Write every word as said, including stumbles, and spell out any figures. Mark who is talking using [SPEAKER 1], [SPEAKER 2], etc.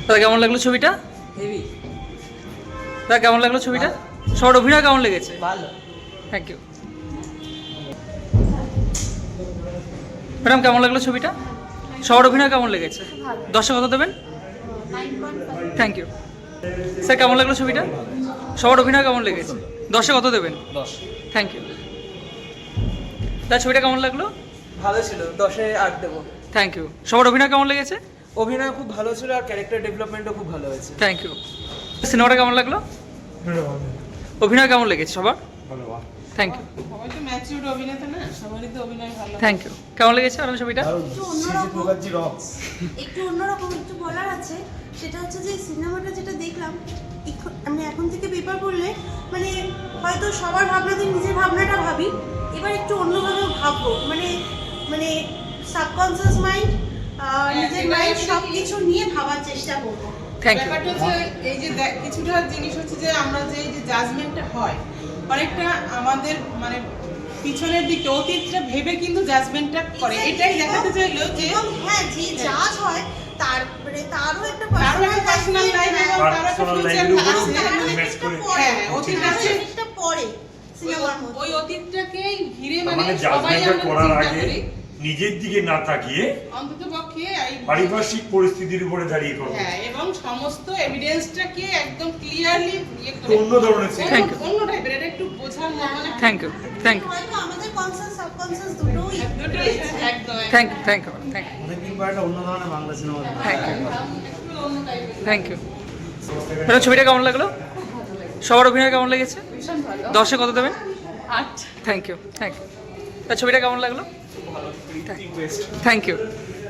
[SPEAKER 1] দাদা কেমন লাগলো ছবিটা?
[SPEAKER 2] হেভি।
[SPEAKER 1] দাদা কেমন লাগলো ছবিটা? সবার অভিনয় কেমন লেগেছে?
[SPEAKER 2] ভালো।
[SPEAKER 1] Thank you. ম্যাডাম কেমন লাগলো ছবিটা? সবার অভিনয় কেমন লেগেছে? দশে কত দেবেন? Thank you. স্যার কেমন লাগলো ছবিটা? সবার অভিনয় কেমন লেগেছে? দশে কত দেবেন?
[SPEAKER 2] দশ।
[SPEAKER 1] Thank you. দাদা ছবিটা কেমন লাগলো?
[SPEAKER 2] ভালো ছিল, দশে আট দেবো।
[SPEAKER 1] Thank you. সবার অভিনয় কেমন লেগেছে?
[SPEAKER 2] অভিনয় খুব ভালো ছিল আর ক্যারেক্টার ডেভেলপমেন্টও খুব ভালো হয়েছে।
[SPEAKER 1] Thank you. সিনেমাটা কেমন লাগলো? অভিনয় কেমন লেগেছে সবার? Thank you.
[SPEAKER 3] সবাই তো ম্যাচিউরড অভিনেতা না, সবারই তো অভিনয় ভালো।
[SPEAKER 1] Thank you. কেমন লেগেছে ম্যাডাম ছবিটা?
[SPEAKER 4] একটু অন্যরকম একটু অন্যরকম একটু বলার আছে, সেটা হচ্ছে যে সিনেমাটা যেটা দেখলাম এখন- আমি এখন থেকে পেপার পড়লে মানে হয়তো সবার ভাবনাতে নিজের ভাবনাটা ভাবি, এবার একটু অন্যভাবে ভাববো, মানে মানে সাবকনসিয়াস মাইন্ড নিজের মাইন্ড সব কিছু নিয়ে ভাবার চেষ্টা করবো।
[SPEAKER 1] Thank you.
[SPEAKER 3] ব্যাপারটা হচ্ছে এই যে দেখ- কিছুটা জিনিস হচ্ছে যে আমরা যে এই যে জাজমেন্টটা হয় অনেকটা আমাদের মানে পিছনের দিকে অতীতটা ভেবে কিন্তু জাজমেন্টটা করে, এটাই দেখাতে চাইলো যে
[SPEAKER 4] এবং হ্যাঁ, যে জাজ হয় তারপরে তারও একটা
[SPEAKER 3] তারও একটা পার্সোনাল লাইফ এবং তারও একটা
[SPEAKER 5] Personal
[SPEAKER 3] ফিউচার
[SPEAKER 5] life-এর উপরও
[SPEAKER 3] আছে।
[SPEAKER 5] invest করে।
[SPEAKER 3] হ্যাঁ, অতীত আছে।
[SPEAKER 4] অতীতটা পরে সিনেমার মধ্যে
[SPEAKER 3] ওই অতীতটাকেই ঘিরে
[SPEAKER 5] তার
[SPEAKER 3] মানে
[SPEAKER 5] মানে
[SPEAKER 3] সবাই
[SPEAKER 5] জাজমেন্টটা
[SPEAKER 3] আমরা
[SPEAKER 5] করার
[SPEAKER 3] চিন্তা
[SPEAKER 5] আগে
[SPEAKER 3] করি
[SPEAKER 5] নিজের দিকে না তাকিয়ে
[SPEAKER 3] অন্তত পক্ষে এই-
[SPEAKER 5] পারিপার্শ্বিক পরিস্থিতির উপরে দাঁড়িয়ে করবো।
[SPEAKER 3] হ্যাঁ, এবং সমস্ত এভিডেন্সটাকে একদম ক্লিয়ারলি ইয়ে করে
[SPEAKER 5] অন্য ধরনের
[SPEAKER 3] অন্য-
[SPEAKER 1] Thank you.
[SPEAKER 3] অন্য টাইপের, এটা একটু বোঝার মানে
[SPEAKER 1] থ্যাংক ইউ। Thank you.
[SPEAKER 4] হয়তো আমাদের কনসাস সাবকনসাস দুটোই
[SPEAKER 3] দুটোই একদম
[SPEAKER 1] thank you. Thank you. Thank you.
[SPEAKER 6] অনেকদিন পর একটা অন্য ধরনের বাংলা সিনেমা দেখলাম।
[SPEAKER 1] Thank you.
[SPEAKER 3] একটু অন্য টাইপের।
[SPEAKER 1] Thank you. ম্যাডাম ছবিটা কেমন লাগলো? সবার অভিনয় কেমন লেগেছে?
[SPEAKER 3] ভীষণ ভালো।
[SPEAKER 1] দশে কত দেবেন?
[SPEAKER 3] আট।
[SPEAKER 1] Thank you. Thank you. ছবিটা কেমন লাগলো? Thank you.